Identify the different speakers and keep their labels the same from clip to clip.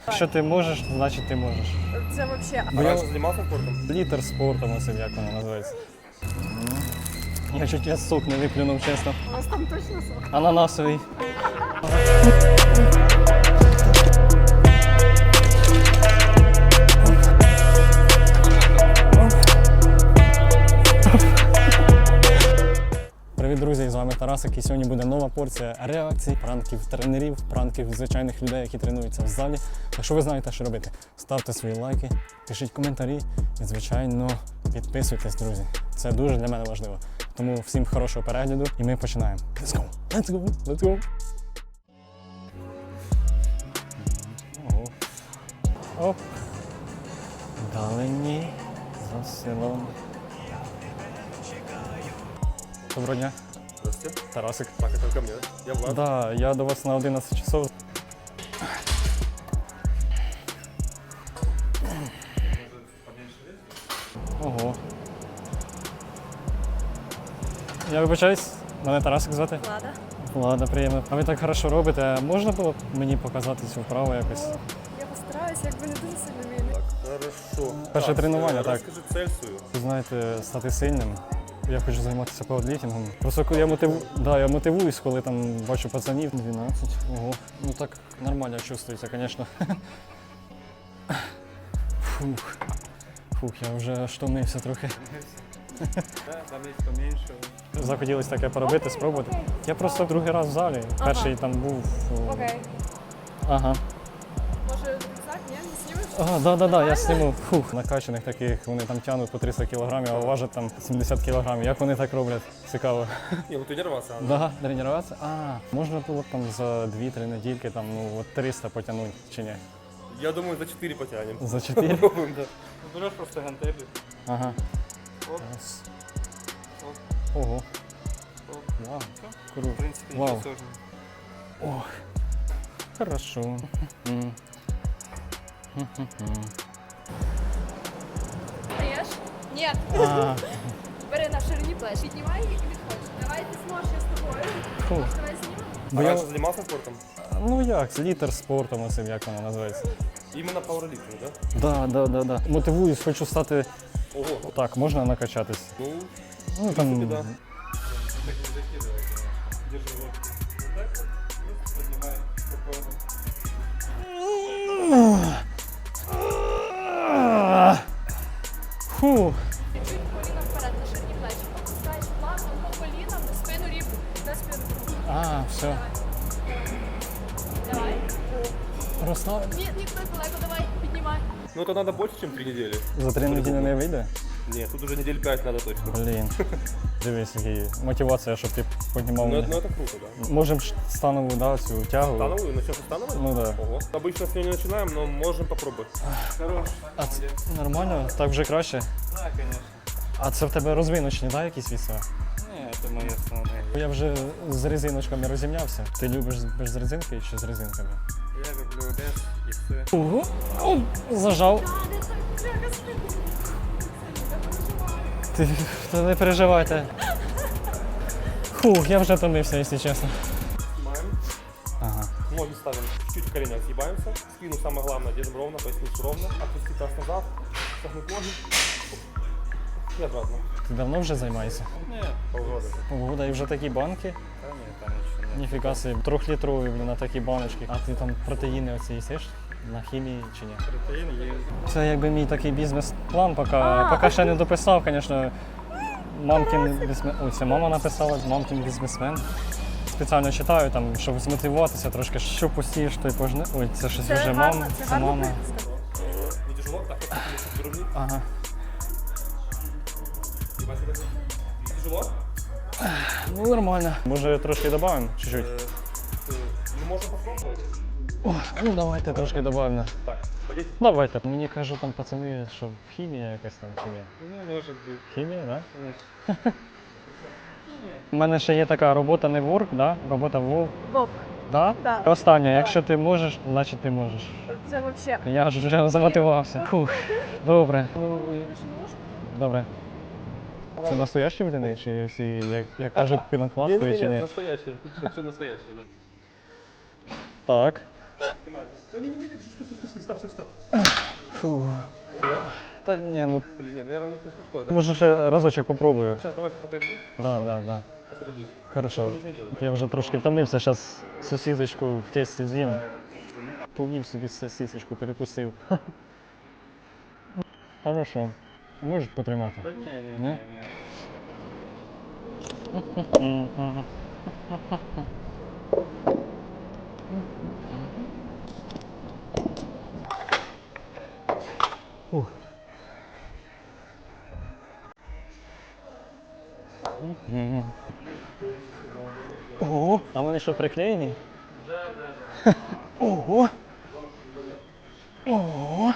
Speaker 1: Якщо ти можеш, значить ти можеш.
Speaker 2: Це взагалі.
Speaker 1: Бо я
Speaker 3: займався спортом?
Speaker 1: літер спортом, ось як воно називається. Я чуть я сок не виплюнув, чесно.
Speaker 2: У вас там точно сок?
Speaker 1: Ананасовий. Привіт, друзі! З вами Тарасик, і сьогодні буде нова порція реакцій, пранків тренерів, пранків звичайних людей, які тренуються в залі. Якщо ви знаєте, що робити, ставте свої лайки, пишіть коментарі і, звичайно, підписуйтесь, друзі. Це дуже для мене важливо. Тому всім хорошого перегляду і ми починаємо. Let's go! Let's go! Let's go! Ого. Оп! Далині за селом. Доброго дня.
Speaker 3: Здравствуйте.
Speaker 1: Тарасик.
Speaker 3: Так, это ко мне, да? Я Влад.
Speaker 1: Да, я до вас на 11 часов. Ого. Я вибачаюсь, мене Тарасик звати.
Speaker 2: Влада.
Speaker 1: Влада, приємно. А ви так хорошо робите. Можна було б мені показати цю вправу якось?
Speaker 2: Я постараюся, якби не дуже сильно вмію.
Speaker 3: Хорошо.
Speaker 1: Перше тренування, так.
Speaker 3: Розкажи цель свою.
Speaker 1: Ви знаєте, стати сильним. Я хочу займатися пауерліфтингом. Просто я мотивуюсь, коли там бачу пацанів. 12. Ого. Ну так нормально чувствується, звісно. Фух. Фух, я вже штомився трохи.
Speaker 3: Там є поменьше.
Speaker 1: Захотілося таке поробити, спробувати. Я просто другий раз в залі. Перший там був.
Speaker 2: Окей.
Speaker 1: Ага.
Speaker 2: Може, рюкзак, ні? Не знімеш?
Speaker 1: Ага, да, я зніму. Фух, накачаних таких, вони там тягнуть по 300 кілограмів, а важать там 70 кілограмів. Як вони так роблять? Цікаво.
Speaker 3: Не, ну тренироваться надо.
Speaker 1: Да, тренуватися? Можна було б там за 2-3 недільки там, ну, от 300 потягнути, чи ні?
Speaker 3: Я думаю, за 4 потянем.
Speaker 1: За 4?
Speaker 3: Попробуем, да. Берешь просто гантели.
Speaker 1: Ага.
Speaker 3: Оп.
Speaker 1: Раз.
Speaker 3: Оп.
Speaker 1: Ого.
Speaker 3: Оп.
Speaker 1: Вау.
Speaker 3: В
Speaker 1: Круто.
Speaker 3: принципе,
Speaker 1: Вау.
Speaker 3: ничего сложного.
Speaker 1: Ох. Хорошо. М.
Speaker 2: Встаєш? Ні.
Speaker 1: А,
Speaker 2: Бери на ширині плеч. Піднімай і відходь. Давай ти зможеш я з тобою.
Speaker 1: фух.
Speaker 2: Давай знімемо.
Speaker 1: Бо
Speaker 3: А
Speaker 1: я,
Speaker 3: раньше занимался спортом?
Speaker 1: ну як, літер спортом, ось як воно називається.
Speaker 3: Именно пауэрлифтинг, да?
Speaker 1: Да. Мотивуюсь, хочу стати.
Speaker 3: Ого.
Speaker 1: Так, можна накачатись.
Speaker 3: Ну,
Speaker 1: Ну
Speaker 3: в
Speaker 1: там.
Speaker 3: принципе, да.
Speaker 1: Фу.
Speaker 2: Чуть коліна вперед, на ширині плеч. Опускаєш плавно по колінам, спину рівну. На спину.
Speaker 1: Все.
Speaker 2: Давай.
Speaker 1: Розслаб.
Speaker 2: Ні, далеко, давай. Піднімай.
Speaker 3: Ну, это надо больше, чем 3 недели.
Speaker 1: За 3 неділі не вийде?
Speaker 3: Нет, тут уже недель 5 надо точно.
Speaker 1: Блін. Дивись, який мотивація, щоб ти піднімав
Speaker 3: Ну,
Speaker 1: мене.
Speaker 3: это круто, да.
Speaker 1: Можемо ж станову, да, цю тягу.
Speaker 3: Становую, начнем со становой?
Speaker 1: Ну да.
Speaker 3: Ого. Обычно с нее не начинаем, но можем попробовать. Хорош.
Speaker 1: А це нормально? Так вже краще?
Speaker 3: Да, конечно.
Speaker 1: А це в тебе розвиночні, да, якісь віса?
Speaker 3: Не, это мои основные.
Speaker 1: Я вже з резиночками розімнявся. Ти любиш без резинки чи з резинками?
Speaker 3: Я люблю без и с.
Speaker 1: Ого. О, зажав. Та не переживайте. Фух, я вже томився, якщо чесно.
Speaker 3: Снимаем.
Speaker 1: Ага.
Speaker 3: Ноги ставим чуть-чуть в коленях, съебаемся. Спину самое главное держим ровно, поясницу ровно. Отпусти таз назад, согнуть ноги. И обратно.
Speaker 1: Ти давно вже займаєшся?
Speaker 3: Нет, полгода.
Speaker 1: Погода і вже такі банки.
Speaker 3: Да нет, там ничего нет.
Speaker 1: Ніфіга собі, 3-літрові, блін, на такі баночки. А ти там протеїни оці їсиш? На хімії чи ні?
Speaker 3: Протеин есть.
Speaker 1: Це якби мій такий бізнес-план, поки ще не дописав, звісно. Мамкін бізнесмен. Ой, це мама написала, мамкін бізнесмен. Спеціально читаю, там, щоб змотивуватися трошки, що посієш, то й пожне. Ой, це щось вже мама. Це мама.
Speaker 3: Не тяжело? Так, как ты выровни.
Speaker 1: Ага.
Speaker 3: Тяжело?
Speaker 1: Ну нормально. Може трошки додамо? Чуть-чуть.
Speaker 3: Ну, можно попробовать.
Speaker 1: О, ну давайте трошки додамо.
Speaker 3: Так, пойдите.
Speaker 1: Давайте. Мені кажуть там пацани, що хімія якась там хімія.
Speaker 3: Ну, может быть.
Speaker 1: Хімія, так? Да? У мене ще є така робота не ворк, да? Робота вов.
Speaker 2: Вовк.
Speaker 1: Да?
Speaker 2: Да.
Speaker 1: Останнє, якщо ти можеш, значить ти можеш.
Speaker 2: Це взагалі.
Speaker 1: Я ж вже замотивувався. Фух. Добре. Добре. Це настоящі блини, чи всі, як кажуть, пінопластові, чи ні?
Speaker 3: настоящий. Все настоящее, да.
Speaker 1: Так.
Speaker 3: Ты
Speaker 1: Фу. Та ні, ну
Speaker 3: Блин, наверное, не подходит.
Speaker 1: може ще разочок попробую.
Speaker 3: Сейчас, давай посмотрим.
Speaker 1: Да. Хорошо. Я вже трошки втомився, зараз сосисочку в тесті з'їм. Повів собі сосисочку, перекусив. Хорошо. Можеш потримати? Ні? Ух. Ого, а вони що приклеєні? Ого! Ого!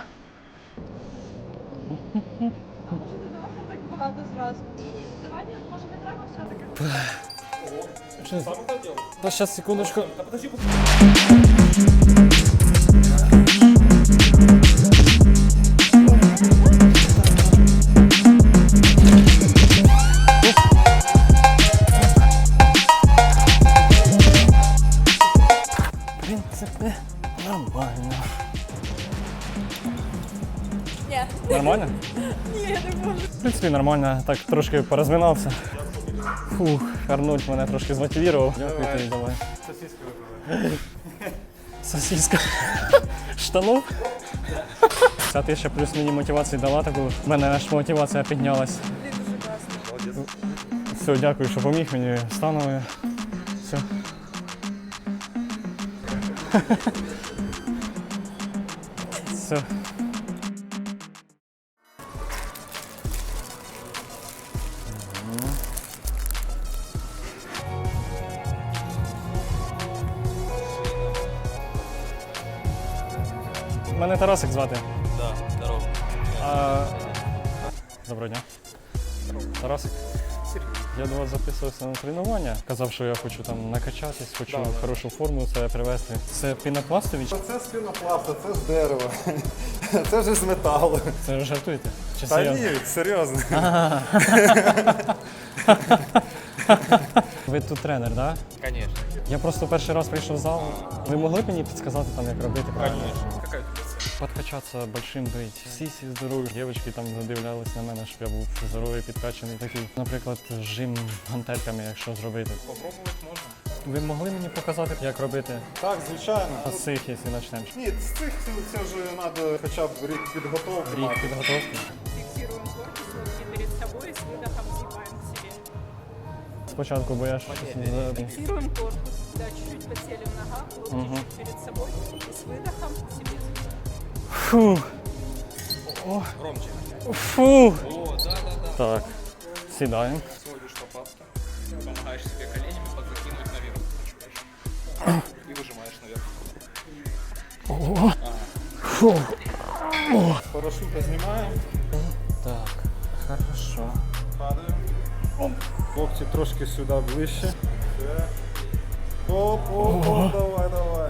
Speaker 2: Так багато зразу. Давай, може не треба все-таки.
Speaker 1: Що?
Speaker 3: Сам это делал?
Speaker 1: Та зараз, секундочку.
Speaker 3: Да подожди,
Speaker 1: В принципі, нормально.
Speaker 2: Ні.
Speaker 1: Нормально?
Speaker 2: Ні, я не можу.
Speaker 1: В принципі, нормально. Так трошки порозминався. Фух, Арнольд мене трошки змотивував. Дякую тобі, давай.
Speaker 3: сосиска выпила.
Speaker 1: Сосиска. Штанов? Ця ти ще плюс мені мотивації дала таку. В мене аж мотивація піднялась.
Speaker 2: Блін, дуже класно.
Speaker 3: Молодец.
Speaker 1: Все, дякую, що поміг мені. Станови. Все. Все. Мене Тарасик звати.
Speaker 3: Да, здорово.
Speaker 1: А... Доброго дня. Тарасик. Я до вас записувався на тренування. Казав, що я хочу там накачатись, хочу хорошу форму себе привести. Це пінопластові?
Speaker 4: Це з пінопласта, це з дерева, це вже з металу.
Speaker 1: Це ви жартуєте? Чи
Speaker 4: Та
Speaker 1: серйозно?
Speaker 4: ні, серйозно.
Speaker 1: Ви тут тренер, так? Да?
Speaker 3: Конечно.
Speaker 1: Я просто перший раз прийшов в зал. Ви могли б мені підказати, там, як робити правильно?
Speaker 3: Какая
Speaker 1: Подкачатися большим бить. Всі здорові дівчатки там задивлялись на мене, щоб я був здоровий, підкачаний такий. Наприклад, жим гантельками, якщо зробити.
Speaker 3: Попробовать можно.
Speaker 1: Ви могли мені показати, як робити?
Speaker 4: Так, звичайно.
Speaker 1: З цих, якщо почнемо.
Speaker 4: Ні, з цих це вже треба хоча б рік підготовки
Speaker 1: Рік
Speaker 4: мати.
Speaker 1: підготовки.
Speaker 5: Фиксируем корпус, руки перед собой, с выдохом сгибаем к себе.
Speaker 1: Спочатку, бо я ж
Speaker 5: Фиксируем корпус, да, чуть-чуть подсели в ногах, локти
Speaker 1: Мгм.
Speaker 5: чуть перед собой, и с выдохом к себе сгибаем.
Speaker 1: Фу.
Speaker 3: Громче.
Speaker 1: Фу.
Speaker 3: О, да.
Speaker 1: Так, сідаємо.
Speaker 3: Сводишь лопатки. Помогаешь себе коленями подзакинуть наверх. Чуть-чуть. И выжимаешь наверх.
Speaker 1: Фу.
Speaker 4: Парашюта знімаємо,
Speaker 1: Так, хорошо.
Speaker 4: падаємо. Локті трошки сюди ближче. Все. Оп, давай.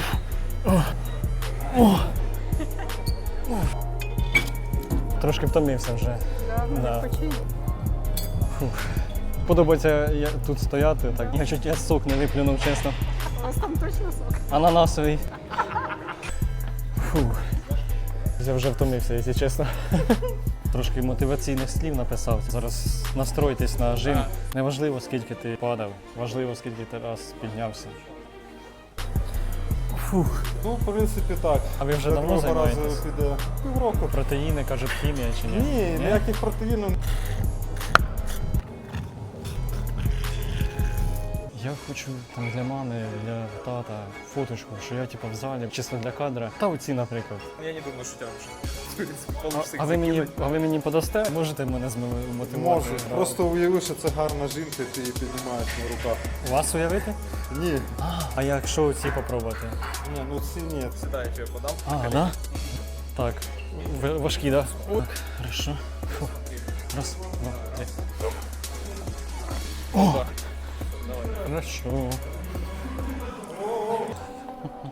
Speaker 1: Трошки втомився вже.
Speaker 5: Да,
Speaker 1: Да. Подобається тут стояти, так. Я чуть я сок не виплюнув, чесно.
Speaker 5: У вас там точно сок?
Speaker 1: Ананасовий. Фух. Я вже втомився, якщо чесно. Трошки мотиваційних слів написав. Зараз настройтесь на жим. Неважливо, скільки ти падав, важливо, скільки ти раз піднявся. Фух.
Speaker 4: Ну, в принципі, так.
Speaker 1: А ви вже
Speaker 4: До
Speaker 1: давно
Speaker 4: другого разу
Speaker 1: займаєтесь?
Speaker 4: піде півроку.
Speaker 1: Протеїни, кажуть, хімія чи ні?
Speaker 4: Ні, ніяких протеїнів.
Speaker 1: Я хочу там для мами, для тата фоточку, що я типу в залі, чисто для кадра. Та оці, наприклад.
Speaker 3: Я не думаю, что у тебя уже. В принципе, получится их
Speaker 1: А ви мені подасте? Можете мене змотивувати?
Speaker 4: Можу.
Speaker 1: Да.
Speaker 4: Просто уяви, що це гарна жінка, ти її піднімаєш на руках.
Speaker 1: Вас уявити?
Speaker 4: Ні.
Speaker 1: А якщо оці попробувати?
Speaker 4: Ні, ну ці ні.
Speaker 3: Да, я тебе подам.
Speaker 1: А, да? Так. Важкі, да? Так, хорошо. Фу. Раз, два, три. О! Хорошо.